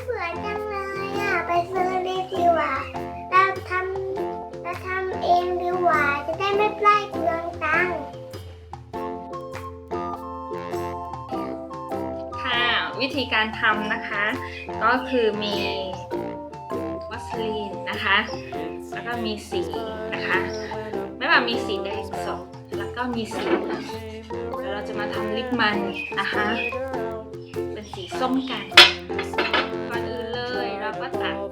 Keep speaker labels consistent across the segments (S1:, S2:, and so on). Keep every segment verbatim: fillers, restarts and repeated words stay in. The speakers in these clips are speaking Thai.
S1: เบื่อจังเลยอ่ะไปซื้อดีดีกว่าเราทำเราทำเองดีกว่าจะได้ไม่ไล่เปลืองตังค์
S2: ค่ะวิธีการทำนะคะก็คือมีวัสลีนนะคะแล้วก็มีสีนะคะไม่ว่ามีสีแดงสดแล้วก็มีสีเหลืองแล้วเราจะมาทำลิปมันนะคะเป็นสีส้มกันก่อนอื่นเลยเราก็ตัด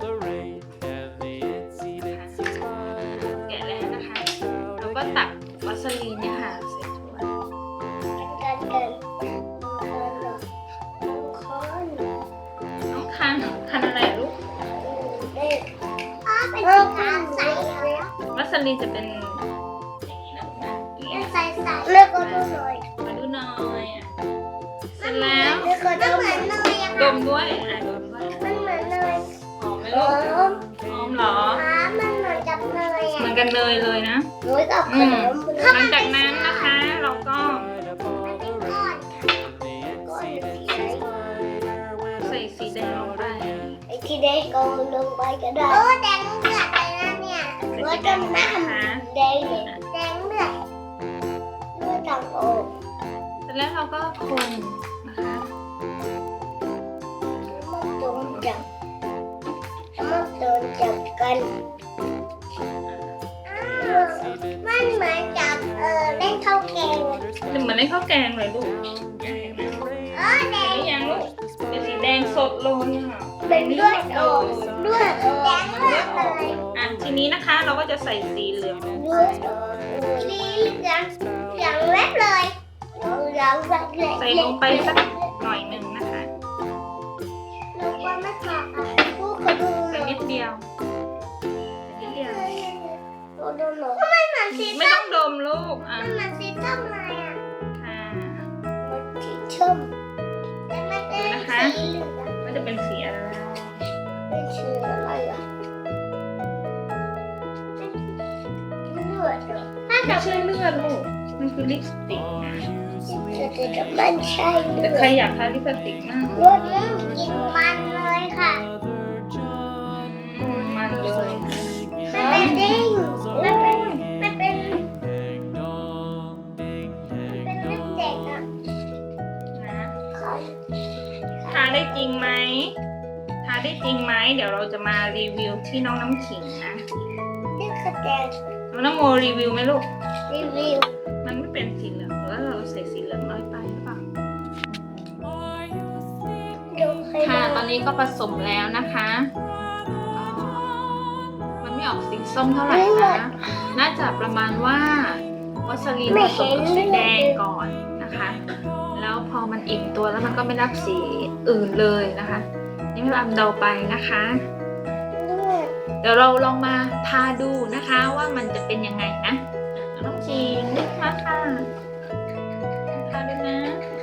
S2: แกะแล้วนะคะเราก็ตักวัสลีนเนี่ยค่ะใส่ถ้วย
S1: กันกัน
S2: น้องคันคันอะไรลูก
S1: อ๋อเป็นสีขาวใสแล้ว
S2: วัสลีนจะเป็นอย่างนี้นะลูกนะอย่างนี้
S1: ใสใสเลือกก็ดูหน่อย
S2: มาดูหน่อยอ่ะเสร็จแล้ว
S1: เลือกก็ดูเหมือนเนยอะ
S2: ด
S1: ค่ะ
S2: มด้วยอ่ะดมด้วย
S1: มันเหมือนเนย
S2: หอมไหม
S1: ห
S2: ลู
S1: อก ม
S2: หอมเหรอ
S1: อ๋อมันเหมือนกับเนย
S2: เหมื
S1: อ่ะ
S2: อนกันเนยเลยนะ
S1: หนูกับข
S2: อื
S1: น
S2: ม
S1: ม
S2: หลังจากนั้นนะคะเราก็
S1: มันเป็นก้อนก้อนสีอะไร
S2: ใส่สีแดงลงไป
S1: ไอ้ที่ได้กองลงไปก็ได้โอ้แดงเลือดเลยนะเนี่ยเลือดจนน้ำแดงเลยแดงเลือดเลือดต่างโอก
S2: เสร็จแล้วเราก็คนนะคะ
S1: มันโดนจับมันโดนจับกันมันเหมือนจับเออเล่นข้าวแกง
S2: เหมือนในข้าวแกงเลยลูก
S1: เออแดง
S2: นี่ยังลูกเป็นสีแดงสดเลยค่ะ
S1: เป็นเลือดออกเลือดแดงเลือดเลย
S2: อ่ะทีนี้นะคะเราก็จะใส่สีเหลืองลง
S1: เลือดออกสีเหลืองเหลืองเล็บเลยเหลืองแบบเล็ก
S2: ใส่ลงไปสักหน่อยหนึ่งนะคะ
S1: ลูกว่าไม่พอค่ะลูกเขาดูห
S2: ใส่
S1: น่อย
S2: นิดเดียวใส่นิดเดียว
S1: ดูดูหน่อยทำไมเหมือนสี
S2: ไม่
S1: ส้
S2: ต้อ
S1: ม
S2: งดมลูกอ่ะ
S1: มันเหมือนสีส้มเลยอ่ะ
S2: ค่ะ
S1: มันสีส้มแต่มันเป็นสีเหลือง
S2: ก็จะเป็นสีอะไร
S1: เป็นสีอะไรอ่ะเป็นเลือดเหรอถ้า
S2: ไม่
S1: จะ
S2: ใช่เลือดลูกมันคือลิปสติกนะ
S1: จะจะมันใช่เลื
S2: แต่
S1: อด
S2: ใครอยากทาลิปสติกมาก
S1: เลือดนี่กินมันเลยค่ะ
S2: อืมมันเลย
S1: มันเป็นดิ้งมันเป็นมันเป็นเป็นลิปเด็กอ่ะ
S2: นะ
S1: ค่ะ
S2: ทาได้จริงไหมทาได้จริงไหมเดี๋ยวเราจะมารีวิวที่น้องน้ำขิงนะ
S1: นี่คือแดง
S2: น้องน้ำโมรีวิวไหมลูก
S1: รีวิว
S2: มันไม่เป็นสีเหลืองหรือว่าเราใส่สีเหลืองน้อยไปหรือเปล่า
S1: ดูให้
S2: ค่ะ
S1: ดู
S2: ตอนนี้ก็ผสมแล้วนะคะก็มันไม่ออกสีส้มเท่าไหร่นะน่าจะประมาณว่าวัสลีนผสมกับสีแดงก่อนนะคะ แล้วพอมันอิ่มตัวแล้วมันก็ไม่รับสีอื่นเลยนะคะ นี่ไม่ลำเดาไปนะคะ
S1: เลือด
S2: เดี๋ยวเราลองมาทาดูนะคะว่ามันจะเป็นยังไงนะน้องจีนนึกมาค่ะทาด้วยนะ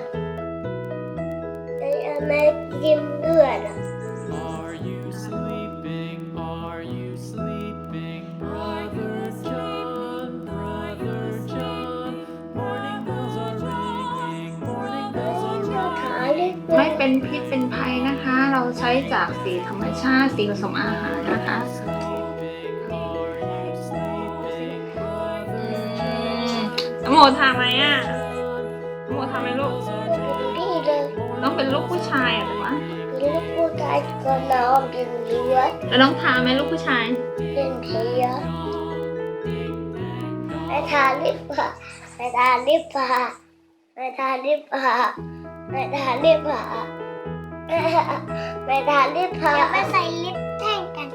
S1: ไอ้อเมริกินเลือดอ่ะ
S3: Are you sleeping? Are you sleeping? Brother John, Brother John. Morning bells are ringing, morning bells are
S1: เรา
S3: ringing.
S1: ขายได้
S2: ไม่เป็นพิษเป็นภัยนะคะ เราใช้จากสีธรรมชาติสีผสมอาหารนะคะ
S3: Are you sleeping?
S2: อืมน้ำโมทาไหมอ่ะน้ำโมทาไหมลูก
S1: นี่เลย
S2: ต้องเป็นลูกผู้ชายอ่ะหรือวะ
S1: ลูกผู้ชายก็น้องเป็นเลือด
S2: แล้วน้องทาไหมลูกผู้ชาย
S1: เป็นเทียไปทาลิปผ้าไปทาลิปผ้าไปทาลิปผ้าไปทาลิปผ้าไปทาลิปผ้าไปใส่ลิปแท่งกัน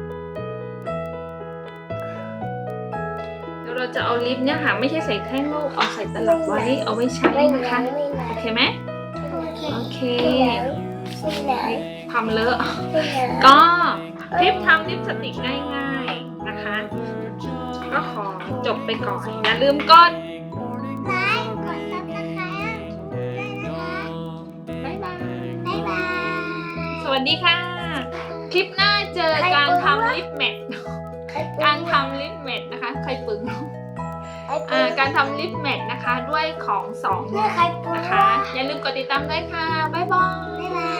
S2: เดี๋ยวเราจะเอาลิปเนี่ยค่ะไม่ใช่ใส่แท่งลูกเอาใส่ตลับไว้เอาไว้ใช้
S1: ไม่
S2: นะคะ
S1: ไหนไม่ไหน
S2: โอเคไหม โอเค
S1: ไม่ไหน
S2: ทำเลอะ
S1: ไม่ไหน
S2: ก็คลิปทำลิปสติกง่ายๆนะคะ ก็ขอจบไปก่อน อย่าลืมกด
S1: ไลค์กดซับสไครต์ด้วยนะคะ
S2: บ๊ายบาย
S1: บ๊ายบาย
S2: สวัสดีค่ะ คลิปหน้าเจอการทำลิปแมทการทำลิปแมทนะคะ ใครปึงอ่าการทำลิปแมทนะคะด้วยของสอง
S1: เมื่อใครปวด
S2: นะคะ อย่าลืมกดติดตามด้วยค่ะ บ๊ายบาย
S1: บ๊ายบาย